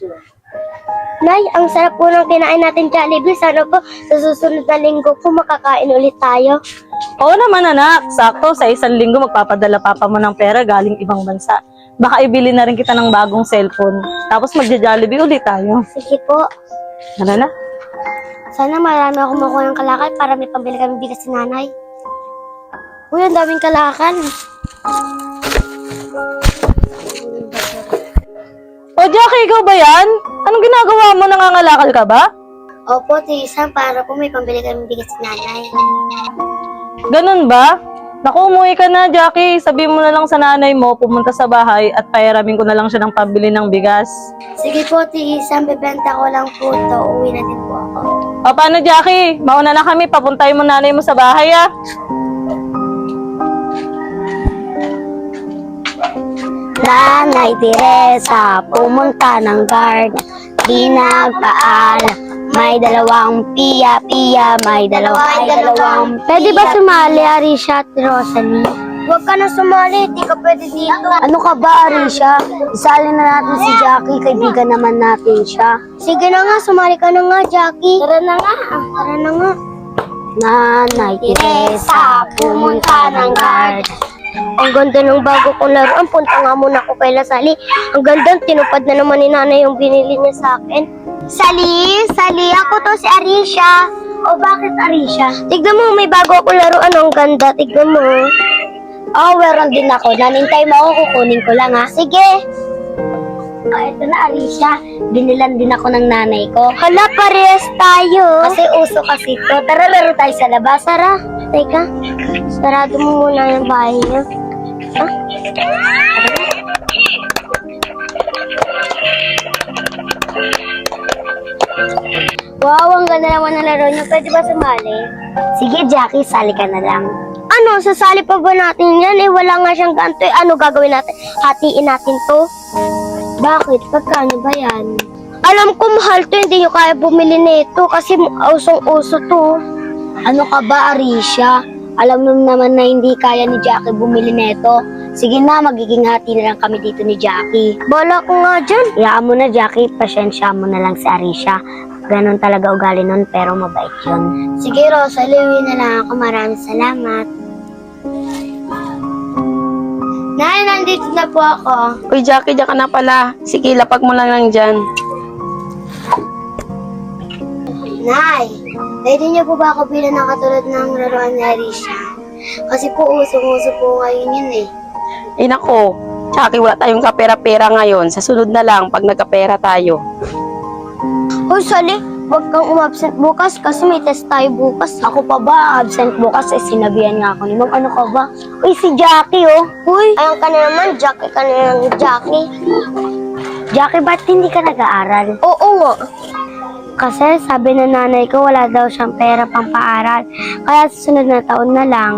Nay, ang sarap po ng kinain natin Jollibee. Sana po sa susunod na linggo po makakain ulit tayo. Oo naman anak, sakto sa isang linggo magpapadala papa mo ng pera galing ibang bansa. Baka ibili na rin kita ng bagong cellphone. Tapos magja-Jollibee ulit tayo. Sige po. Ano na? Sana marami akong makuha ng kalakal para may pambili kami bigas si nanay. Uy, ang daming kalakal. O Jackie, ikaw ba yan? Anong ginagawa mo? Nangangalakal ka ba? Opo, Tisan, para po may pambili kami bigas si nanay. Ganun ba? Naku, umuwi ka na, Jackie. Sabihin mo na lang sa nanay mo, pumunta sa bahay at pairamin ko na lang siya ng pambili ng bigas. Sige po, Tisan, bebenta ko lang po ito. Uwi na din po ako. O paano, Jackie? Mauna na kami. Papuntahin mo nanay mo sa bahay, ah. Nanay Teresa, pumunta ng guard. Di nagpaalam. May dalawang piya, may dalawang Pwede ba sumali, Arisha at Rosalie? Huwag ka na sumali, di ka pwede dito. Ano ka ba, Arisha? Isali na natin si Jackie, kaibigan naman natin siya. Sige na nga, sumali ka na nga, Jackie. Tara na nga. Tara na nga. Nanay Teresa, pumunta ng guard. Ang ganda ng bago kong laruan. Punta nga muna ako kay Sally. Ang ganda, tinupad na naman ni nanay yung binili niya sa akin. Sally, ako to si Arisha. O bakit Arisha? Tignan mo, may bago akong laruan. Ang ganda, tignan mo. Oh, meron din ako. Nanintay mo ako, kukunin ko lang ha. Sige. Ito na Arisha. Binilan din ako ng nanay ko. Hala, parehas tayo. Kasi uso kasi to. Tara, laro tayo sa labas. Tara. Teka, sarado mo muna yung bahay niyo. Ha? Wow, ang ganda naman ng laro niyo. Pwede ba sumali? Sige, Jackie, sali ka na lang. Ano, sasali pa ba natin yan? Wala nga siyang ganito. Ano gagawin natin? Hatiin natin to? Bakit? Pagkano ba yan? Alam ko mahal to, hindi nyo kaya bumili nito kasi usong-uso to. Ano ka ba, Arisha? Alam mo naman na hindi kaya ni Jackie bumili nito. Sige na, magiging hati na lang kami dito ni Jackie. Bala ko nga dyan. Iyaan mo na, Jackie. Pasyensya mo na lang si Arisha. Ganon talaga ugali nun, pero mabait yun. Sige, Rosalie, uwi na lang ako. Maraming salamat. Nay, nandito na po ako. Uy, Jackie, diyan ka na pala. Sige, lapag mo lang lang dyan. Nay, pwede niyo po ba ako bilang ng katulad ng laruan ni Arisha? Kasi po usong-uso po ngayon yun eh. Eh, nako. Jackie, wala tayong kapera-pera ngayon. Sa sunod na lang, pag nagkapera tayo. Hoy, Sally, huwag kang umabsent bukas kasi may test tayo bukas. Ako pa ba absent bukas? Sinabihan nga ako ni Ma'am. Ano ka ba? Uy, si Jackie, oh. Uy, ayun ka na naman. Jackie ka na naman, Jackie. Jackie, ba't hindi ka nag-aaral? Oo nga. Kasi sabi ng nanay ko wala daw siyang pera pang paaral. Kaya sa sunod na taon na lang.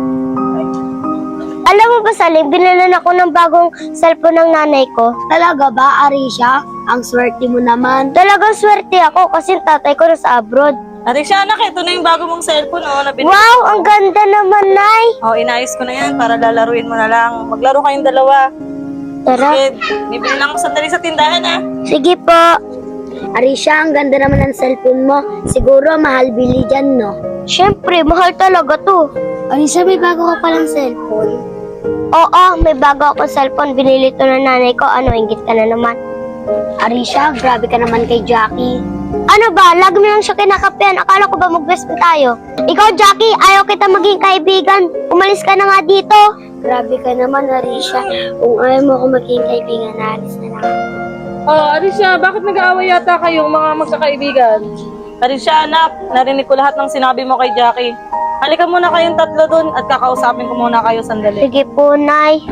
Alam mo ba, Sally, binilan ako ng bagong cellphone ng nanay ko. Talaga ba, Arisha? Ang swerte mo naman. Talagang swerte ako kasi tatay ko nasa abroad. Arisha, anak, ito na yung bago mong cellphone, oh, na binili Wow, ko. ang ganda naman, Nay. Oh, inayos ko na yan para lalaruin mo na lang. Maglaro kayong dalawa. Tara. Sige, bibili lang ako sandali sa tindahan, ah. Sige po. Arisha, ang ganda naman ng cellphone mo. Siguro mahal bili dyan, no? Siyempre, mahal talaga to. Arisha, may bago ka palang cellphone. Oo, may bago akong cellphone. Binili to ng nanay ko. Ano, inggit ka na naman. Arisha, grabe ka naman kay Jackie. Ano ba? Lagi mo lang siya kinakapihan. Akala ko ba mag-best friend tayo? Ikaw, Jackie, ayaw kita maging kaibigan. Umalis ka na nga dito. Grabe ka naman, Arisha. Kung ayaw mo ako maging kaibigan, alis na lang. Oh, Arisha, bakit nag-aaway yata kayong mga magkakaibigan? Arisha, anak, narinig ko lahat ng sinabi mo kay Jackie. Halika muna kayong tatlo dun at kakausapin ko muna kayo sandali. Sige po, Nay.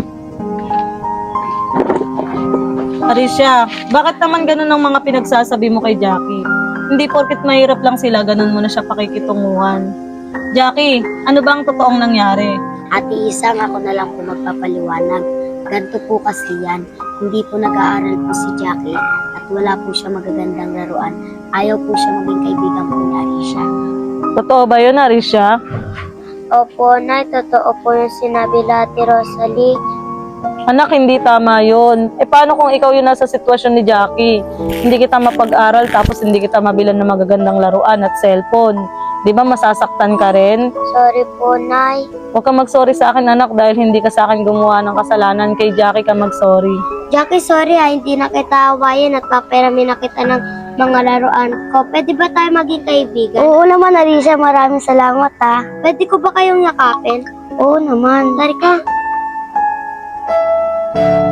Arisha, bakit naman ganun ang mga pinagsasabi mo kay Jackie? Hindi porket mahirap lang sila, ganun mo na siya pakikitunguhan. Jackie, ano ba ang totoong nangyari? Ate Isang, ako na lang po magpapaliwanag. Ganto po kasi yan. Hindi po nag-aaral po si Jackie at wala po siya magagandang laruan. Ayaw po siya maging kaibigan po ni Arisha. Totoo ba yun, Arisha? Opo, Nay. Totoo po yung sinabi Ate Rosalie. Anak, hindi tama yun. Paano kung ikaw yun nasa sitwasyon ni Jackie? Hindi kita mapag-aral tapos hindi kita mabilan ng magagandang laruan at cellphone. Di ba masasaktan ka rin? Sorry po, Nay. Huwag ka mag-sorry sa akin, anak, dahil hindi ka sa akin gumawa ng kasalanan. Kay Jackie ka mag-sorry. Jackie, sorry hindi na kita awayin at paperami na kita ng mga laruan ko. Pwede ba tayo maging kaibigan? Oo naman, Arisha. Maraming salamat, ha. Pwede ko ba kayong yakapin? Oo naman. Tari ka.